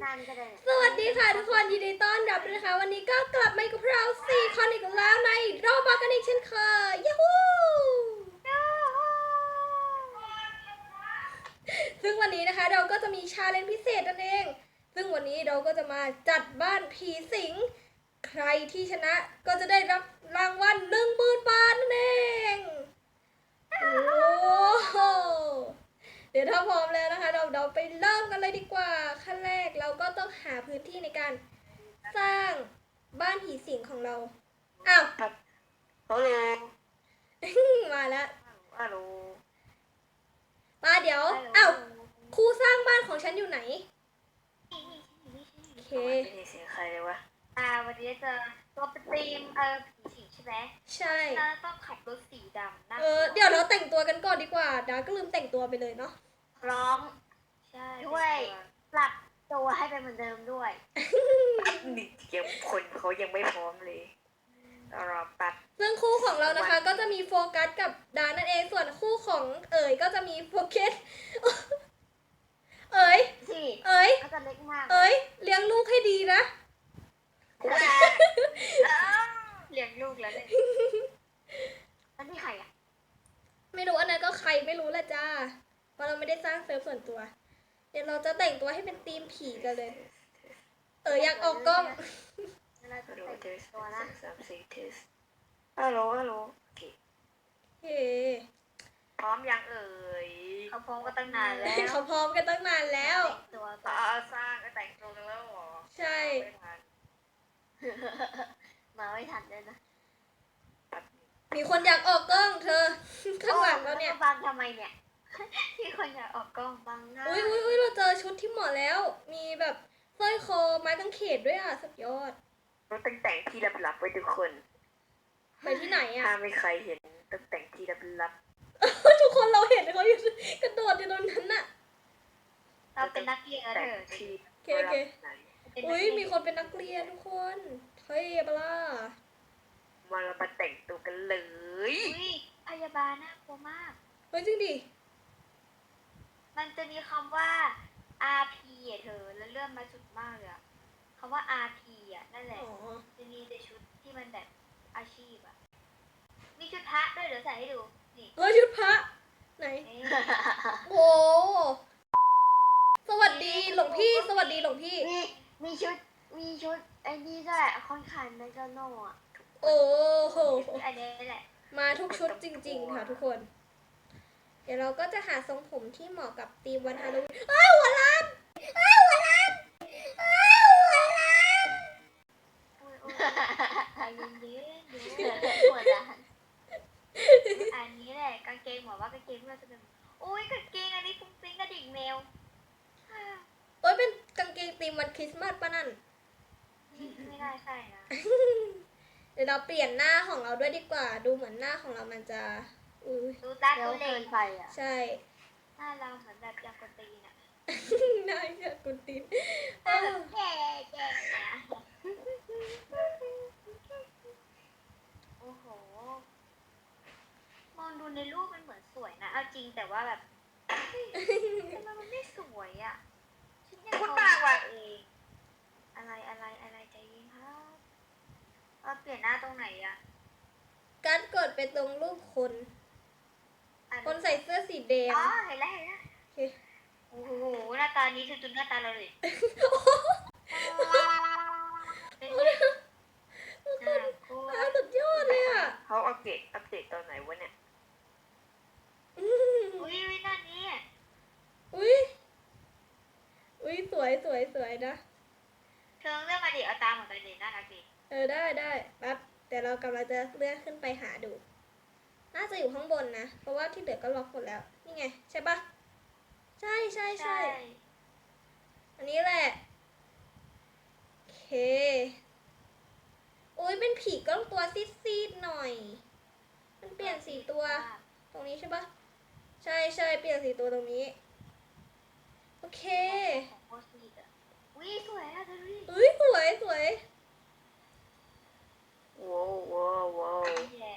นั่นก็ได้สวัสดีค่ะทุกคนยินดีต้อนรับนะคะวันนี้ก็กลับมากับเรา4 คนอีกแล้วในโรบอทกันอีกเช่นเคยยูฮูซึ่งวันนี้นะคะเราก็จะมีชาเลนจ์พิเศษนั่นเองซึ่งวันนี้เราก็จะมาจัดบ้านผีสิงใครที่ชนะก็จะได้รับรางวัล10,000 บาทนั่นเองโอ้โหเดี๋ยวถ้าพร้อมแล้วนะคะเราไปเริ่มกันเลยดีกว่าขั้นแรกเราก็ต้องหาพื้นที่ในการสร้างบ้านผีสิงของเราอ้าวฮัลโหลมาแล้วฮัลโหลมาเดี๋ยวอ้าวครูสร้างบ้านของฉันอยู่ไหนโอเคไม่ได้เสียงใครเลยวะวันนี้จะตัวเป็นธีมผีสิงใช่ไหมใช่ต้องขับรถสีดำนะเดี๋ยวเราแต่งตัวกันก่อนดีกว่าดาก็ลืมแต่งตัวไปเลยเนาะพร้อมใช่ด้วยปรับตัวให้เป็นเหมือนเดิมด้วยนี่ยังคนเขายังไม่พร้อมเลยรอแป๊บซึ่งคู่ของเรานะคะก็จะมีโฟกัสกับดานั่นเองส่วนคู่ของเอ๋ยก็จะมีโฟกัสเอ๋ยเอ๋ยเอ๋ยเลี้ยงลูกให้ดีนะเลี้ยงลูกแล้วเนี่ยอันนี้ใครอ่ะไม่รู้อันนั้นก็ใครไม่รู้แหละจ้าเพราะเราไม่ได้สร้างเซิร์ฟส่วนตัวเดี๋ยวเราจะแต่งตัวให้เป็นธีมผีกันเลยอยากออกกล้องเราจะแต่งตัวนะ3-4 เทสฮัลโหลโอเคพร้อมยังเอ่ยเขาพร้อมกันตั้งนานแล้วเขาพร้อมกันตั้งนานแล้วตัวสร้างก็แต่งตัวกันแล้วหรอใช่มาไม่ทันเลยนะมีคนอยากออกกล้องเธอข้างหลังเราเนี่ยบังทำไมเนี่ยที่คนอยากออกกล้องบังหน้าอุ้ยเราเจอชุดที่เหมาะแล้วมีแบบสร้อยคอไม้กางเขนด้วยอ่ะสุดยอดเราต้องแต่งที่ลับๆไว้ทุกคนไปที่ไหนอ่ะถ้าไม่ใครเห็นต้องแต่งที่ลับทุกคนเราเห็นเขาอยู่กระโดดอยู่ตรงนั้นน่ะเราเป็นนักเรียนเถอะโอเคอุ้ยมีคนเป็นนักเรียนทุกคนเฮ้ยปล่ามาเรามาแต่งตัวกันเลยพยาบาลน่ากลัวมากเฮ้ยจริงดิมันจะมีคำว่า RP อ่ะเธอแล้วเลื่อนมาสุดมากเลยอะคำว่า RP อ่ะนั่นแหละจะมีแต่ชุดที่มันแบบอาชีพอ่ะมีชุดพระด้วยเดี๋ยวใส่ให้ดูนี่ชุดพระไหนโอ้สวัสดีหลวงพี่สวัสดีหลวงพี่มีชุดไอ้นี่ด้วยค่อนข้างเมกาโน่อะโอ้โหอันนี้แหละมาทุกชุดจริงๆค่ะทุกคนเดี๋ยวเราก็จะหาทรงผมที่เหมาะกับธีมวันฮาโลวีนหัวล้านหัวล้านใจเย็นๆดูหัวล้านอันนี้แหละกางเกงบอกว่ากางเกงเราจะเป็นโอ้ยกางเกงอันนี้ฟุ้งฟิ้งกระดิ่งแมวเป็นกางเกงธีมวันคริสต์มาสป่ะนั่นไม่ได้ใช่นะเดี๋ยวเราเปลี่ยนหน้าของเราด้วยดีกว่าดูเหมือนหน้าของเรามันจะดูตาดูเล่นไปอ่ะใช่หน้าเราเหมือนแบบยากนตีนอ่ะหน้ายากนตีนแก่โอ้โหมองดูในรูปมันเหมือนสวยนะเอาจริงแต่ว่าแบบทำไมมันไม่สวยอ่ะพูดปากว่ะเองอะไรใจเย็นครับเราเปลี่ยนหน้าตรงไหนอ่ะการกดไปตรงรูปคนใส่เสื้อสีแดงเห็นแล้วโอ้โหหน้าตานี้คือจุดหน้าตาเราเลยสุดยอดเลยอ่ะเขาอัปเดตตอนไหนวะเนี่ยอุ้ยหน้านี้อุ้ยสวยนะเธอเลือกมาดิเอาตามเหมือนกันดิน่ารักดิได้แป๊บแต่เรากำลังจะเลื่อนขึ้นไปหาดูน่าจะอยู่ข้างบนนะเพราะว่าที่เหลือก็ล็อกหมดแล้วนี่ไงใช่ปะใช่อันนี้แหละโอเคอุ้ยเป็นผีก็ตัวซีดๆหน่อยมันเปลี่ยนสีตัวตรงนี้ใช่ปะใช่เปลี่ยนสีตัวตรงนี้โอเคอุ้ยสวยอะเธอดูดิอุ้ยสวยว้าว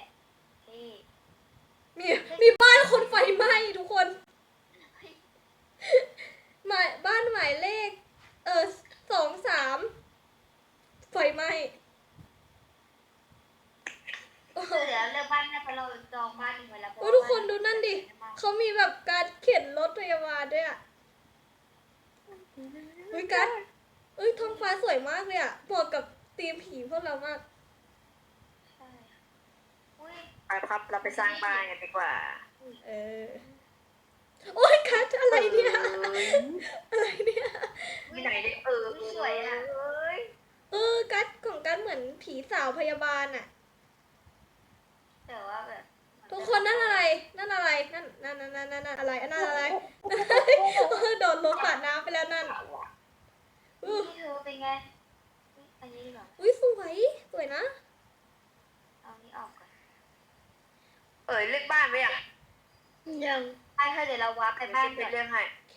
มีบ้านคนไฟไหม้ทุกคนบ้านหมายเลขมีแบบการเข็นรถพยาบาลด้วยอ่ะเฮ้ยกัสท้องฟ้าสวยมากเลยอ่ะเหมาะกับธีมผีพวกเรามากใช่อุ้ยไปครับเราไปสร้างบ้านกันดีกว่าเออ โอ้ยกัสอะไรเนี่ย อะไรเนี่ยที่ไหนได้สวยอ่ะกัสของกัสเหมือนผีสาวพยาบาลอ่ะแต่ว่าแบบทุกคนนั่นอะไร นั่นอะไร นั่นอะไรอันนั้นอะไร โดนรถปาดน้ำไปแล้วนั่นนี่เธอเป็นไงอันนี้ดีกว่าอุ้ยสวยนะเอานี้ออกก่อนเลือกบ้านไหมอ่ะยังไอ้เธอเดี๋ยวเราวาร์ปไปไปบ้าบ้าน นก่ไปอนเรื่องให้โอเค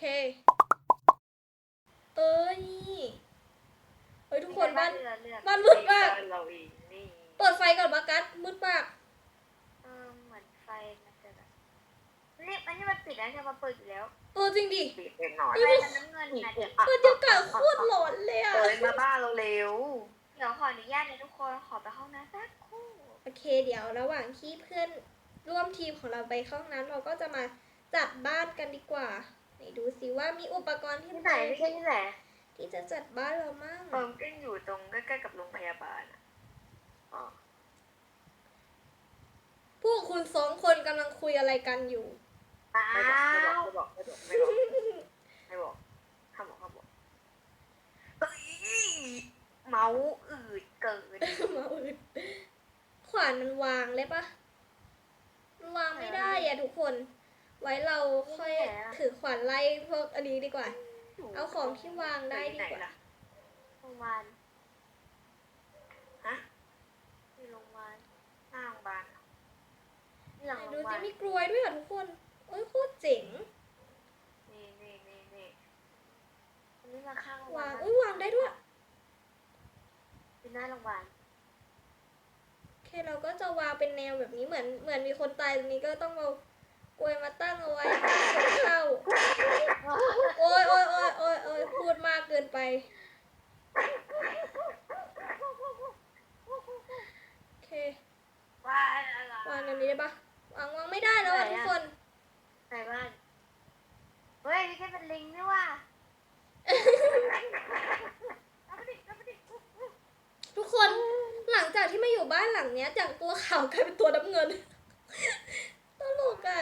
นี่เฮ้ยทุกคนบ้านเลือกบ้านมืดมากบ้นเราเองนี่เปิดไฟก่อนมากัสมืดมากเหมือนไฟมันจะแบบนี่อันนี้มันปิดแล้วจะมาเปิดอยู่แล้วจริงดิปิดเองหน่อยไฟมันน้ำเงินนะเดี๋ยวบรรยากาศโคตรหลอนเลยอ่ะมาบ้านเราเร็วขออนุญาตนะทุกคนขอไปห้องน้ำสักครู่โอเค เดี๋ยวระหว่างที่เพื่อนร่วมทีมของเราไปเข้าห้องน้ำเราก็จะมาจัดบ้านกันดีกว่าไหนดูสิว่ามีอุปกรณ์ที่ที่ไหนไม่ใช่ที่ไหนที่จะจัดบ้านเรามั่งก็อยู่ตรงใกล้ๆกับโรงพยาบาลอ่ะอ๋อพวกคุณสองคนกำลังคุยอะไรกันอยู่อ้าไม่บอกวไม่บอกห้ามบอกเฮ้ยเมาส์อืดเกินมาอื่นขวานมันวางเลยปะมันวางไม่ได้อะทุกคน ไว้เราค่อยถือขวานไล่พวกอันนี้ดีกว่า เอาของที่วางได้ดีกว่าโรงพยาบาลฮะที่โรงพยาบาลหน้าโรงพยาบาลที่หลังไหนโรดูงพยาบาสิลมีกลวยด้วยเหรอทุกคนโอ้ยโคตรเจ๋งนี่อันนี้มาข้างโรงพยาวาบาง ลวางได้ด้วยเป็นหน้าโรงพยาบาลโอเคเราก็จะวางเป็นแนวแบบนี้เหมือนมีคนตายตรงนี้ก็ต้องเอากลวยมาตั้งเอาไว้คนเข้า โอ้ยพูดมากเกินไป โอเคว่าอะไรวางอย่างนี้ได้ปะวางไม่ได้แล้วอะทุกคนไหนบ้านเฮ้ยนี่แค่เป็นลิงนี่ว่ะทุกคนหลังจากที่มาอยู่บ้านหลังเนี้ยจากตัวขาวกลายเป็นตัวน้ำเงิน ตลกอ่ะ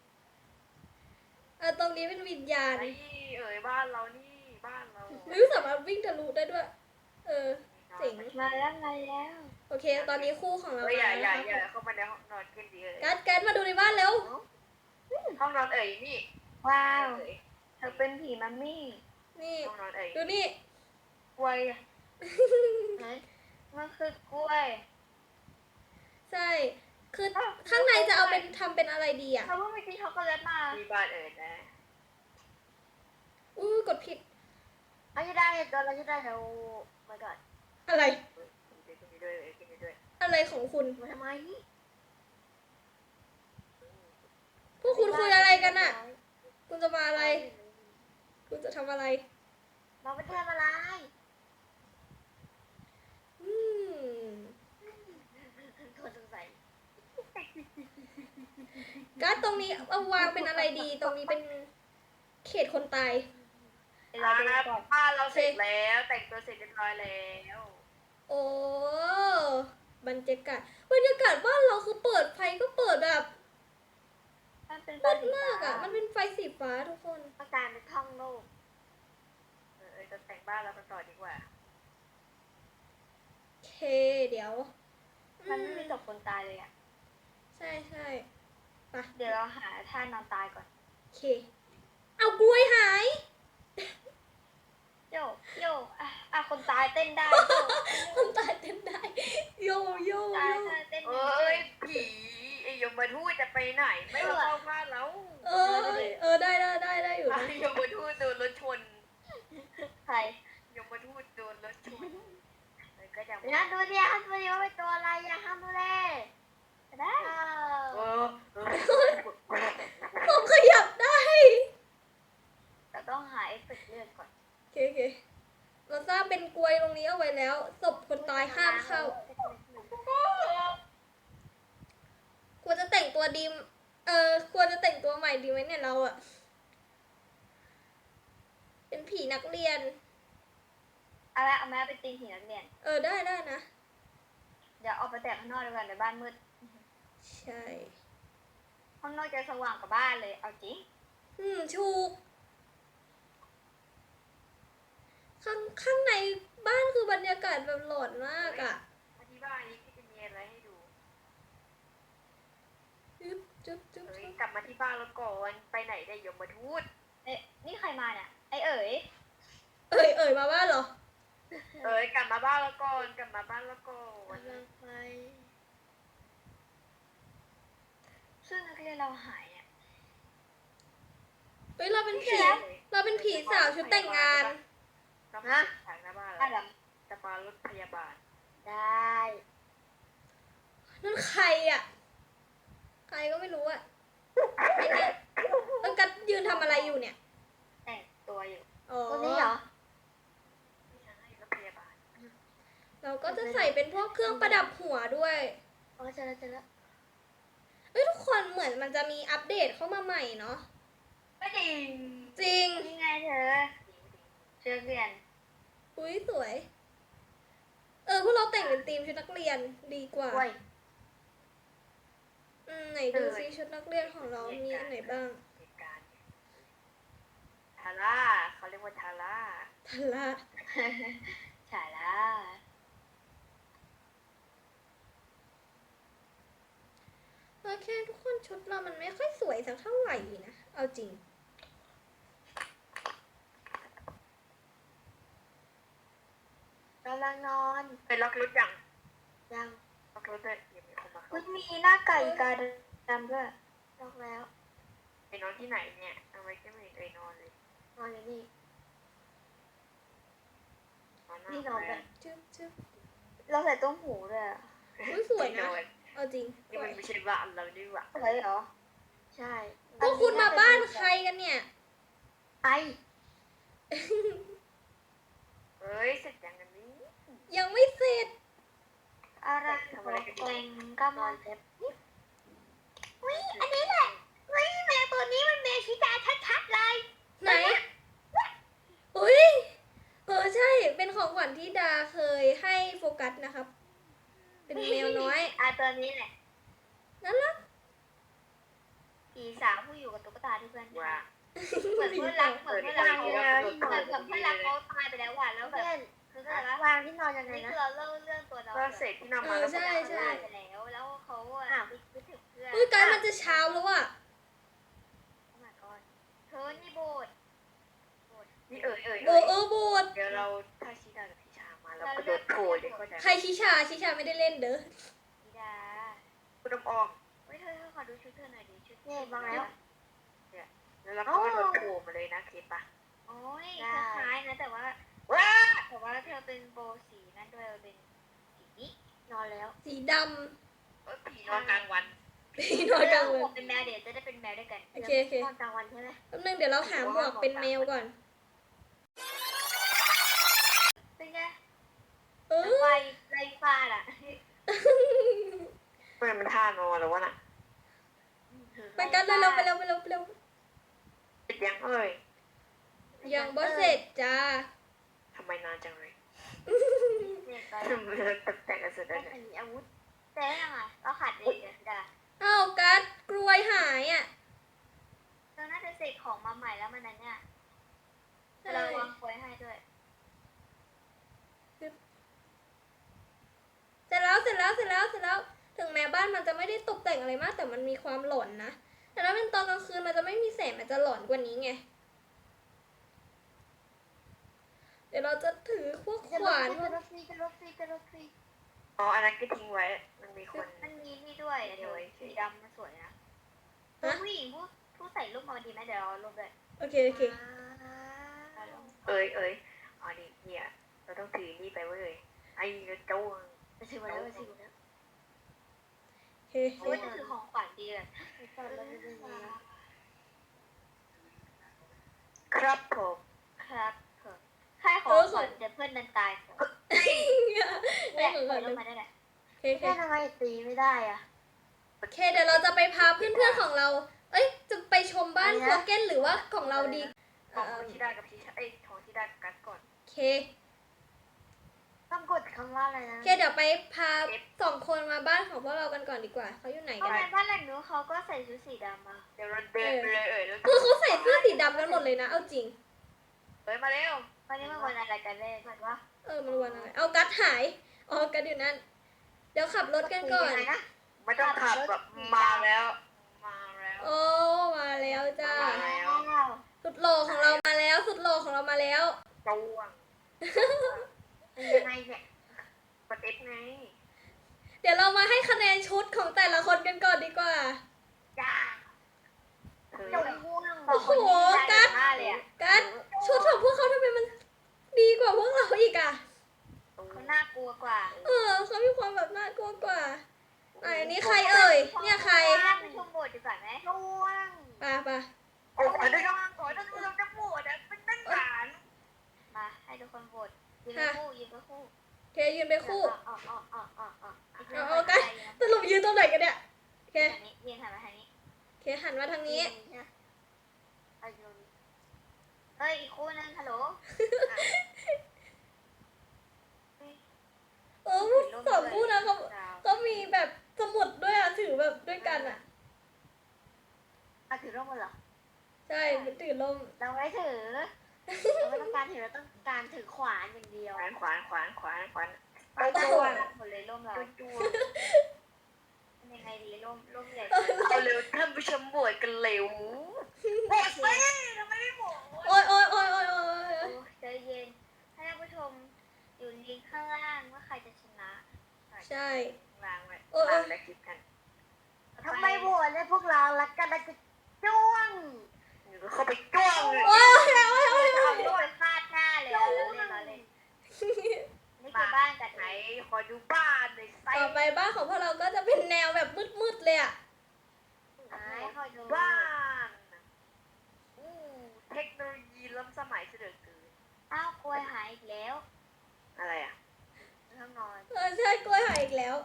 ตรงนี้เป็นวิญญาณไอ้บ้านเรานี่บ้านเราไม่สามารถวิ่งทะลุได้ด้วย เจ๋งมาแล้วมาแล้วโอเค ตอนนี้คู่ของเราอย่าแล้วนะคะเข้ามาในห้องนอนกันดีกัดมาดูในบ้านเร็วห้องนอนนี่ว้าวเธอเป็นผีมัมมี่นี่ห้องนอนดูนี่กล้วยอะไหนมันคือกล้วยใช่ คือข้างในจะเอาเป็นทำเป็นอะไรดีอ่ะเขาเพิ่งไปกินช็อกโกแลตมามีบ้านนะกดผิดเราจะได้เราจะได้เรามาก่อนอะไรกินด้วยอะไรของคุณมาทำไมพวกคุณคุยอะไรกันอ่ะ คุณจะมาอะไร คุณจะทำอะไรเราไปทำอะไรอืมคนสงสัยการ์ดตรงนี้เอาวางเป็นอะไรดี ตรงนี้เป็นเขตคนตายเราดูก่อนบ้านเราเสร็จแล้วแต่งตัวเสร็จเรียบร้อยแล้วโอ้บรรยากาศบ้านเราคือเปิดไฟก็เปิดแบบมันเป็นมืดมากอ่ะ มันเป็นไฟสีฟ้าทุกคนอาการเป็นท่องโลกจะแต่งบ้านเรากันต่อดีกว่าโอเค เดี๋ยวมันไม่มีศพคนตายเลยอ่ะใช่ไปเดี๋ยวเราหาท่านอนตายก่อนโอเค เอากล้วยหายโยคนตายเต้นได้โยคนตายเต้นได้ โยตายเต้นผียมทูตจะไปไหนไม่มาเข้าบ้านแล้วได้อยู่นะยมทูตโดนรถชนใครยมทูตโดนรถชนก็จะนะดูดิว่าเป็นตัวอะไรอย่าห้ามดูเลยได้ผมขยับได้แต่ต้องหาเอฟเฟกต์เลือดก่อนโอเค เราสร้างเป็นกลวยตรงนี้เอาไว้แล้ว ศพคนตายห้ามเข้า ควรจะแต่งตัวดีควรจะแต่งตัวใหม่ดีไหมเนี่ยเราอะเป็นผีนักเรียนเอาแม่ไปตีผีนักเรียนได้นะเดี๋ยวออกไปแต่งข้างนอกดีกว่าในบ้านมืดใช่ข้างนอกจะสว่างกว่าบ้านเลย เอาจริงถูก ข้างในบ้านคือบรรยากาศแบบหลอนมากอะอธิบายนี้ที่จะมีอะไรให้ดูจุ๊บเอ้ยกลับมาที่บ้านแล้วก่อนไปไหนได้ยมทูตนี่ใครมาเนี่ย ไอเอ๋ยเอ่ยมาบ้านเหรอเอ้ยกลับมาบ้านแล้วก่อนกลับมาบ้านแล้วก่อนซึ่งนักเรียนเราหายเนี่ยเฮ้ยเราเป็นผีแล้วเราเป็นผีสาวชุดแต่งงานเรามาฉากหน้าบ้านอ่ะแล้วเหรอจะมารถพยาบาลได้นั่นใครอะใครก็ไม่รู้อะไอ้เนี่ยต้องกัดยืนทำอะไรอยู่เนี่ยแต่งตัวอยู่อ๋อตัวนี้เหรอไม่ใช่รถพยาบาลเราก็จะใส่เป็นพวกเครื่องประดับหัวด้วยอ๋อเจอแล้วเฮ้ยทุกคนเหมือนมันจะมีอัปเดตเข้ามาใหม่เนาะไม่จริงจริงนี่ไงเธอเชือกเรียนอุ้ยสวย พวกเราแต่งเป็นธีมชุดนักเรียนดีกว่ากล้วยไหนดูซิชุดนักเรียนของเรามีอันไหนบ้างเหตุการณ์ทาร่าเขาเรียกว่าทาร่าทันละฉายละโอเคทุกคนชุดเรามันไม่ค่อยสวยสักเท่าไหร่นะ เอาจริงกำลังนอนไปล็อกรถยังยังล็อกรถเลยยังมีคนมาเข้าคุณมีหน้าไก่กาดำด้วยลอกแล้วไปนอนที่ไหนเนี่ยทำไมก็ไม่เห็นเอ่ยนอนเลยนอนอยู่นี่นอนหน้านี่นอนแบบจึ๊บเราใส่ต้มหูด้วยอะอุ้ยสวยนะ เอาจริงสนี่วมันยไม่ใช่บ้านเรานี่หว่าสวยเหรอ ใช่พวกคุณมาบ้านใครกันเนี่ยไอเอ้ยเสร็จยังกันนี้ยังไม่เสร็จอะไรเกรงก็มอนเจ็บวิอันนี้แหละวิแมวตัวนี้มันแมวชิตาชัดๆเลยไหน อุ้ยใช่ เป็นของขวัญที่ดาเคยให้โฟกัสนะครับ เป็นแมวน้อยตัวนี้แหละน่ารักผีสาวผู้อยู่กับตุ๊กตาที่เพื่อนว่าเหมือนเพื่อนรักเหมือนเพื่อนรักเขาตายไปแล้วว่ะแล้วแบบคืออะไรวะวางที่นอนยังไงนี่นะคือเราเล่าเรื่องตัวเราก็เสร็จที่นอนมาแล้วใช่เขาตายไปแล้วแล้วเขาอ่ะคิดถึงเพื่อนอุ้ยกายมันจะเช้าแล้วอะโอ้ my god เธอนี่โบดนี่เอ่ยโบดเดี๋ยวเราถ้าชิดากับพิชามาเราก็โดดโผล่เลยก็จะใครชิชาไม่ได้เล่นเด้อธิดาคุณน้ำอ้อมเฮ้ยเธอขอดูชุดเธอหน่อยดิชุดนี่บางแล้วแล้วเราก็โดดโผล่มาเลยนะคลิปปะโอ้ยคล้ายๆนะแต่ว่าว้าเธอเป็นโบสีนั่นด้วยเป็นสีนี้นอนแล้วสีดผีนอนกลางวันำพี่นอนกลางวันเป็นแมวเดี๋ยวจะได้เป็นแมวด้วยกันโอเคนอนกลางวันใช่ไหมแป๊บนึงเดี๋ยวเราหาหมวกเป็นแมวก่อนเป็นไงเออไฟไรฟ้าล่ะมันท่านอนหรือวะน่ะไปกันเร็วไปเร็วเสร็จยังเอ่ยยังบ่เสร็จจ้าทำไมนานจังเลยเนี่ยไปทำไมเราตกแต่งกันเสร็จแล้วเนี่ยมีอาวุธแต่ยังไงเราขาดเลยเดี๋ยวอ้าวกัดกลวยหายอ่ะเราน่าจะเสกของมาใหม่แล้วมันนั้นเนี่ยใช่เราวางควยให้ด้วยเสร็จแล้ว ถึงแม้บ้านมันจะไม่ได้ตกแต่งอะไรมาก แต่มันมีความหลอนนะ แต่ถ้าเป็นตอนกลางคืนมันจะไม่มีแสงมันจะหลอนกว่านี้ไง เดี๋ยวเราจะถือพวกขวานจะลบซีอ๋ออันนั้นก็ทิ้งไว้ มันมีคนมันมีนี่ด้วยเดี๋ยวสีดำมันสวยนะผู้หญิงผู้ใส่รูปมาดีไหมเดี๋ยวเราลบเลยโอเคเอ้ยอ๋อนี่เนี่ยเราต้องถือนี่ไปเว้ยไอ้กระโจงไปซื้อมาแล้วไปซื้อมาแล้วโอเคโอ้ยจะถือของขวัญดีเลยครับผมครับใครของขวัญจะเพื่อนนั้นตายก่อนได้เนี่ยของปก่ล่ออน ยลเลยงมาได้แหละโอเคแค่ทำไมตีไม่ได้อะโอเคเดี๋ยวเราจะไปพาเพื่อนๆของเรา เอ้ยจะไปชมบ้านอะไรโคนะเก้นหรือว่าของเราดีของชิดากับชิชาของชิดากับกัสก่อนโอเคต้องกดคำว่าอะไรนะโอเคเดี๋ยวไปพา2 คนมาบ้านของพวกเรากันก่อนดีกว่าเขาอยู่ไหนทำกันไมบ้านหลังนู้นเขาก็ใส่ชุดสีดำมาเดี๋ยวเราเดินไปเลยแล้วคือเขาใส่เสื้อสีดำกันหมดเลยนะ เอาจริงมาเร็ววันนี้มันวันอะไรกันแน่เหมือนว่ามันวันอะไรเอากัดหายอ๋อกัดอยู่นั่น เดี๋ยวขับรถกันก่อนยังไงนะไม่ต้องขับแบบมาแล้ว มาแล้วโอ้มาแล้วจ้ามาแล้วสุดหล่อของเรามาแล้ว สุดหล่อของเรามาแล้วจ้วงเป็นยังไงเนี่ยกด F ไงเดี๋ยวเรามาให้คะแนนชุดของแต่ละคนกันก่อนดีกว่าจ้าเธอจงม่วงโอ้โหกัดมากเลยอ่ะกัดชุดของพวกเขาทำไมมันดีกว่าพวกเราอีกอ่ะเขาน่ากลัวกว่าเขามีความแบบน่ากลัวกว่าอันนี้ใครเอ่ย เนี่ยใครไปชมโบสถ์ดีกว่าไหมม่วงไปโอ้ยได้ยังก่อนต้องเราจะปวดอ่ะเป็นตั้งฐานมาให้ทุกคนโหวตยืนเป็นคู่ยืนเป็นคู่โอเคยืนไปคู่เอากันสรุปยืนตรงไหนกันเนี่ย โอเคยืนหันมาทางนี้โอเคหันมาทางนี้เอาอยู่นี่เฮ้ยอีกคู่นึงฮัลโหลสองคู่นะเขามีแบบสมุดด้วยอ่ะถือแบบด้วยกันอ่ะถือร่มกันเหรอใช่ถือลมเราไม่ถือเราไม่ต้องการถือเราต้องการถือขวานอย่างเดียวขวานเราจ้จะวงหมดเลยร่มเราจ้วงเป็นยังไงดีร่มใหญ่เอาเร็วท่านผู้ชมบวชกันเร็วบวชสิทำไมไม่บวชโอ้ยโอ้ใจเย็นให้ท่านผู้ชมอยู่ลิงก์ข้างล่างว่าใครจะชนะใช่วางไว้วางแล้วคลิปกันทำไมโหวตเลยพวกเรารักกันนะจะจ้วงเข้าไปจ้วงเลยโอ้ยเอาลูกไปฟาดหน้าเลยเราเล่นนี่คือบ้านกัดไหนขอดูบ้านหน่อยไซต่อไปบ้านของพวกเราก็จะเป็นแนวแบบมืดๆเลยอ่ะไหนคอยดูบ้านอู้เทคโนโลยีล้ำสมัยเสด็จเกินอ้าวกล้วยหายอีกแล้วอะไรอ่ะห้องนอนใช่กล้วยหายอีกแล้ว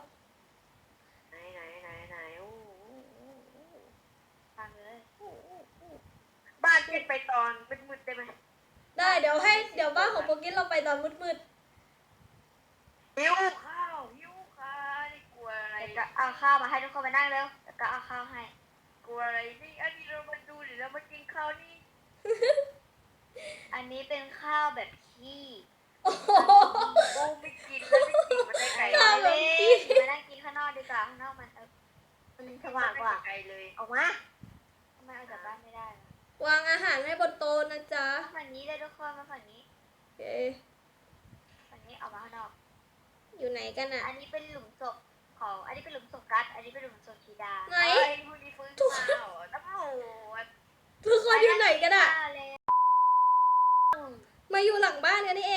ไหนอู้ฟังเลยบ้านเป็นไปตอนมืดๆได้ไหมได้เดี๋ยวบ้านของโปรกินเราไปตอนมืดหิวข้าวนี่กลัวอะไรเดี๋ยวก็เอาข้าวมาให้ทุกคนมานั่งเร็วแล้วก็เอาข้าวให้กลัวอะไรนี่อันนี้เรามาดูหรือเรามากินข้าวนี่อันนี้เป็นข้าวแบบขี้ๆโอ้โหโอ้ไม่กินแล้วไม่กินมันได้ไกลข้าวเลแบบยขี้มานั่งกินข้างนอกดีกว่าข้างนอกมันมันสว่างกว่าไกลเลยออกมาทำไมเอาจากบ้านไม่ได้ล่ะวางอาหารให้บนโต๊ะนะจ๊ะฝั่งนี้เลยทุกคนมาฝั่งนี้โอเคฝั่งนี้เอามาข้างนอกอยู่ไหนกันอ่ะอันนี้เป็นหลุมศพของอันนี้เป็นหลุมศพกัสอันนี้เป็นหลุมศพธีดาไหนเอ้ยพวกนี้ฟื้นมาเหรอตำรวจทุกคนอยู่ไหนกันอ่ะข้าวเลยมาอยู่หลังบ้านกันนี่เอง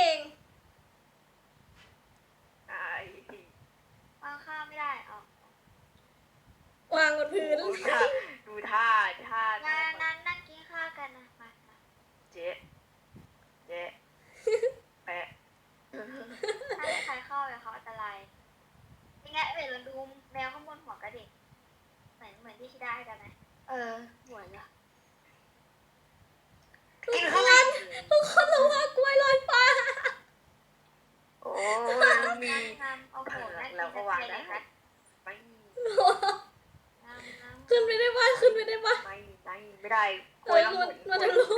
ไอ้วางข้าวไม่ได้เอาวางบนพื้นดูท่านั่งกินข้าวกันนะมาเจ๊แปะถ้าไม่ใครเข้าเลยเขาอันตรายยังไงเราดูแมวข้างบนหัวกระดิ่งเหมือนที่ชิดาให้กันไหมเหมือนอะทุกคนระวังกล้วยลอยฟ้าโอ้ยมีงามเอาโหน่ากินเราก็วางเลได้ยครับไม่งามขึ้นไปได้ปะขึ้นไปได้ปะไม่ได้กลัวแล้วหมุนมันจะรู้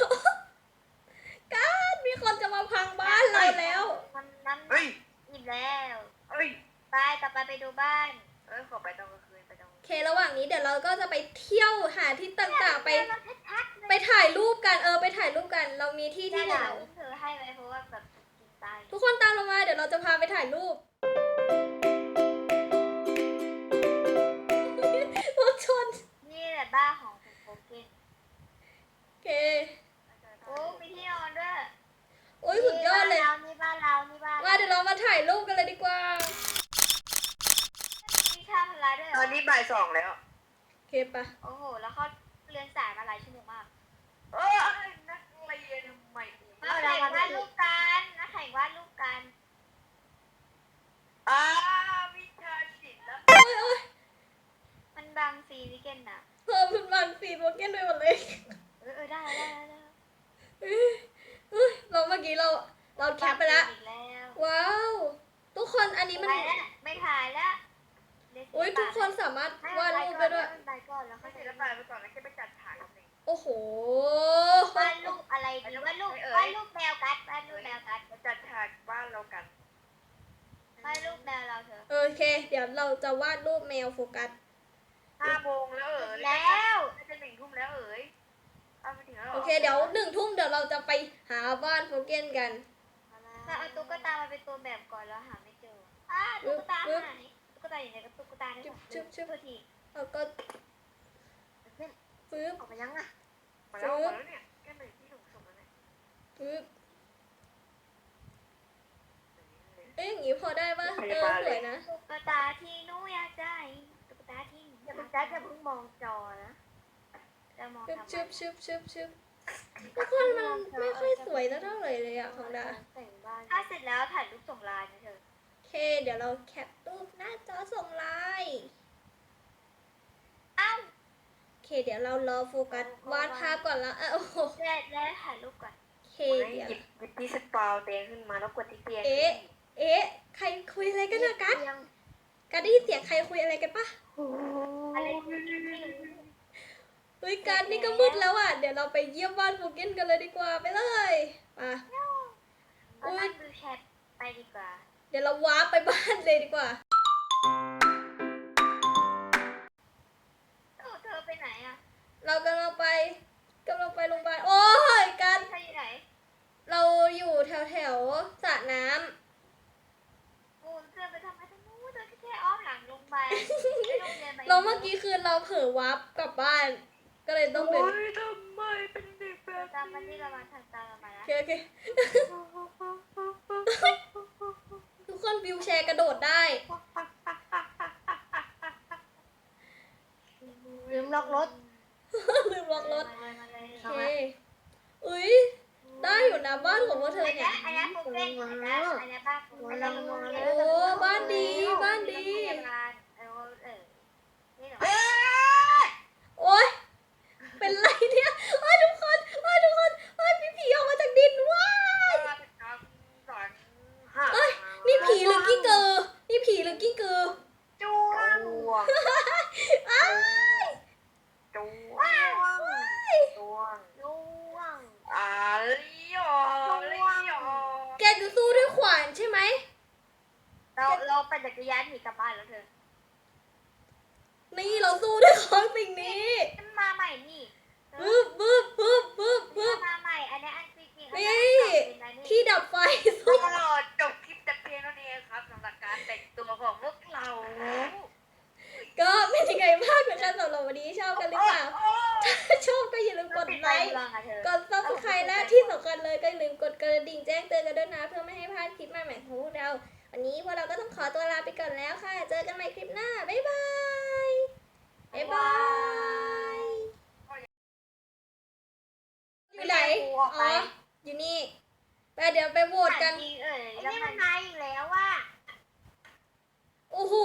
การมีคนจะมาพังบ้านเราแล้วน้ำเฮ้ยอิ่มแล้วเฮ้ยไปต่อไปดูบ้านขอไปตอนกลางคืนไปตอนโอเคระหว่างนี้เดี๋ยวเราก็จะไปเที่ยวหาที่ต่างๆ ไปถ่ายรูปกันไปถ่ายรูปกัน เรามีที่ที่ที่ไหไหนนเธอให้ไว้เพราะว่าแบบกินตายทุกคนตามเรามาเดี๋ยวเราจะพาไปถ่ายรูป รถชนนี่แหละบ้านของคุณโฟเกนโอเคโอ้มีที่นอนด้วยโอ้ยสุดยอดเลยนี่บ้านเรานี่บ้านมาเดี๋ยวเรามาถ่ายรูปกันเลยดีกว่ามีชาพลาด้วยตอนนี้บ่าย2แล้วโอเคปะโอ้โหแล้วเขาเรียนสายมาหลายชั่วโมงมากนักเรียนทำไมมาแข่งวาดรูปกันนะแข่งวาดรูปกันวิชาศิลป์แล้วโอ้ยโปเกนไปหมดเลยได้เราเมื่อกี้เราแคปไปแล้วอีกแล้วว้าวทุกคนอันนี้มันไปแล้วไม่ถ่ายแล้วอุ้ยทุกคนสามารถวาดรูปได้ด้วยไปก่อนแล้วไม่ค่อยเสร็จแล้วไปก่อนแล้วแค่ไปจัดฉากกันเองโอ้โหวาดรูปอะไรดีวาดรูปแมวกัดวาดรูปแมวกัดมาจัดฉากบ้านเรากันวาดรูปแมวเราเถอะโอเค เดี๋ยวเราจะวาดรูปแมวโฟกัส 5 โมงแล้วแล้วน่าจะ1 ทุ่มแล้วเอาไปถึงแล้วโอเคเดี๋ยว1 ทุ่มเดี๋ยวเราจะไปหาบ้านโฟเกนกันถ้าเอาตุ๊กตามาเป็นตัวแบบก่อนแล้วหาไม่เจอตุ๊กตาหายตุ๊กตาอยู่ไหนกับตุ๊กตาเนี่ยชื่อทีแล้วก็ปึ๊บออกไปยังอ่ะมาแล้วเนี่ยแค่หนึ่งที่ถูกส่งแล้วเนี่ยปึ๊บเอ๊ะอย่างงี้พอได้ปะสวยนะตุ๊กตาที่หนูอยากได้ตุ๊กตาที่หนูอย่าไปแจ๊คอย่าเพิ่งมองจอนะจะมองชึบทำชึบชึบชึบชึบทุกคนมันไม่ค่อยสวยเท่าไหร่เลยอะของดาแต่งบ้านถ้าเสร็จแล้วถ่ายรูปส่งไลน์นะเธอโอเค เดี๋ยวเราแคปรูปหน้าจอส่งไลน์อ้าวโอเค เดี๋ยวเรารอโฟกัสวาดภาพก่อนละโอ้โหเสร็จแล้วถ่ายรูปก่อนโอเคหเดี๋ยวยิบที่สปาเตียงขึ้นมาแล้วกดที่เตียงเอ๊ะใครคุยอะไรกันนะกัสกัสได้ยินเสียงใครคุยอะไรกันปะอะไรเฮ้ยกัสนี่ก็มืดแล้วอ่ะเดี๋ยวเราไปเยี่ยมบ้านโฟเกนกันเลยดีกว่าไปเลยมาเอานั่งดูแชทไปดีกว่าเดี๋ยวเราวาร์ปไปบ้านเลยดีกว่าเธอไปไหนอ่ะเรากำลังไปโรงพยาบาลโอ้ยกัสเธออยู่ไหนเราอยู่แถวสระน้ำกูเธอไปทำไมตรงนู้นเธอแค่อ้อมหลังลงไปไม่ลงเรียนไปเราเมื่อกี้คือเราเผลอวาร์ปกลับบ้าน ก็เลยต้องเป็นโอ้ยทำไมเป็นเด็กแบบตามมาที่เรามาทางตามเรามาโอแล้วเคโอเคทุกคนวิวแชร์กระโดดได้ลืมล็อกรถลืมล็อกรถมาเลยโอเคอุ้ยได้อยู่นะบ้านของพวกเธอเนี่ยอันนี้โฟเกนอันนี้บ้านโฟเกนโอ้บ้านดีบ้านดีนี่เหรอโอ๊ยเป็นไรเนี่ยทุกคนทุกคนมีผีออกมาจากดินว้าย เอ้ยนี่ผีหรือกิ้งกือนี่ผีหรือกิ้งกือจูงอ้ายจ้วงจูงลิโอแกจะสู้ด้วยขวานใช่ไหมเราปั่นจักรยานหนีกลับบ้านแล้วเธอนี่เราสู้ด้วยของสิ่งนี้มาใหม่นี่บึ๊บบึ๊บบึ๊บบึ๊บบึ๊บมาใหม่อันนี้อันจริงที่ดับไฟสู้ตลอดจบคลิปแต่เพียงเท่านี้ครับสำหรับการแต่งตัวของพวกเราก็เป็นยังไงบ้างนะคะสำหรับวันนี้ชอบกันหรือเปล่าถ้าชอบก็อย่าลืมกดไลค์ กด subscribe และที่สำคัญเลยก็อย่าลืมกดกระดิ่งแจ้งเตือนกันด้วยนะเพื่อไม่ให้พลาดคลิปใหม่ๆของพวกเรา วันนี้พวกเราก็ต้องขอตัวลาไปก่อนแล้วค่ะ เจอกันใหม่คลิปหน้า บ๊ายบาย บ๊ายบาย อยู่ไหน อ๋อ อยู่นี่ไปเดี๋ยวไปโหวตกันไอ้นี่มันมาอีกแล้วว่าโอ้โห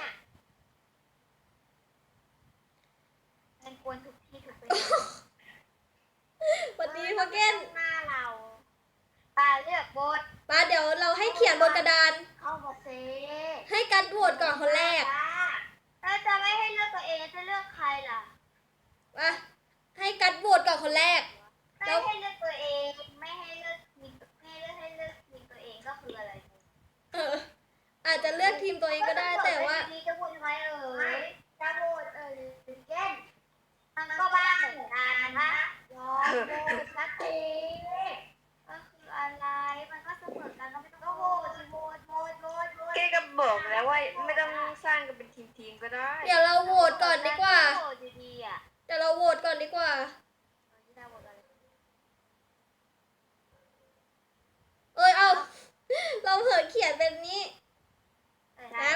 มันกวนทุกที่ทุกเวลาสวัสดีพ่อเกนหน้าเราตาเลือกบทป้าเดี๋ยวเราให้เขียนบนกระดานเข้ามาเซให้กันโหวตก่อนคนแรกเราจะไม่ให้เลือกตัวเองจะเลือกใครล่ะมาให้กันโหวตก่อนคนแรกไม่ให้เลือกตัวเองไม่ให้เลือกทีมให้เลือกทีมตัวเองก็คืออะไรเออ อาจจะเลือกทีมตัวเองก็ได้แต่ว่าดีจะพูดทำไมจะโหวตเก้นมันก็บ้าเหมือนกันนะรอโหวตสักทีก็คืออะไรมันก็เสมอกันก็ไม่ต้องก็โหวตสิโหวตแกก็บอกแล้วว่าไม่ต้องสร้างกันเป็นทีมๆก็ได้เดี๋ยวเราโหวตก่อนดีกว่าโหวตดีๆอ่ะเดี๋ยวเราโหวตก่อนดีกว่า เอ้ย เอา เราเผลอเขียนเป็นนี้ครับ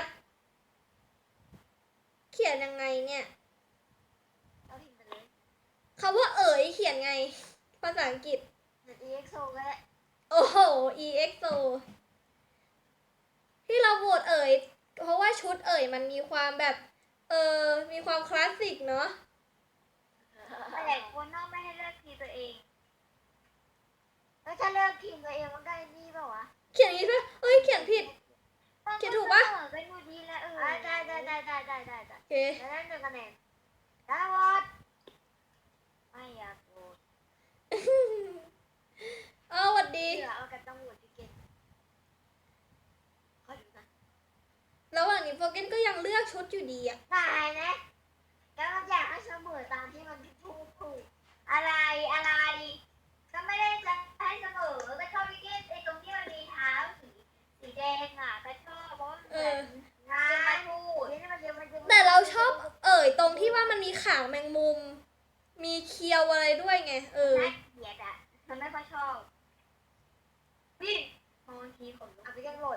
เขียนยังไงเนี่ยเราพิมพ์ไปเลยคำว่าเอ๋ยเขียนไง ภาษาอังกฤษ EXO ก็ได้โอ้โห EXO ที่เราโหวตเอ๋ย เพราะว่าชุดเอ๋ยมันมีความแบบ มีความคลาสสิกเนาะแต่คนนอกไม่ให้เลือกทีตัวเองแล้วถ้าเลือกทีมตัวเองมันก็ไอ้นี่เปล่าวะเขียนอย่างนี้ด้วยเอ้ยเขียนผิด เขียนถูกปะเป็นอยู่ดีแล้วได้ได้โอเคแล้วได้1 คะแนนแล้ววอดไม่อยากโหวตเอาหวัดดีเหลือเอากับตำรวจที่เก่งขอดูนะระหว่างนี้โฟเกนก็ยังเลือกชุดอยู่ดีอะตายนะแล้วมันอยากให้เสมอตามที่มันถูกอะไรก็ไม่ได้จะให้เสมอก็ชอบที่ไอ้ตรงที่มันมีเท้าสีแดงอ่ะก็ชอบเพราะมันเอแบบองาจะมาน พูดนี่มันเยอะมันเยอะแต่เราชอบตรงที่ว่ามันมีขางแมงมุม มีเคียวอะไรด้วยไงน่าเกลียดอ่ะมันไม่ค่อยชอบวิ่งบางทีขนลุกเอาไปกันโหลด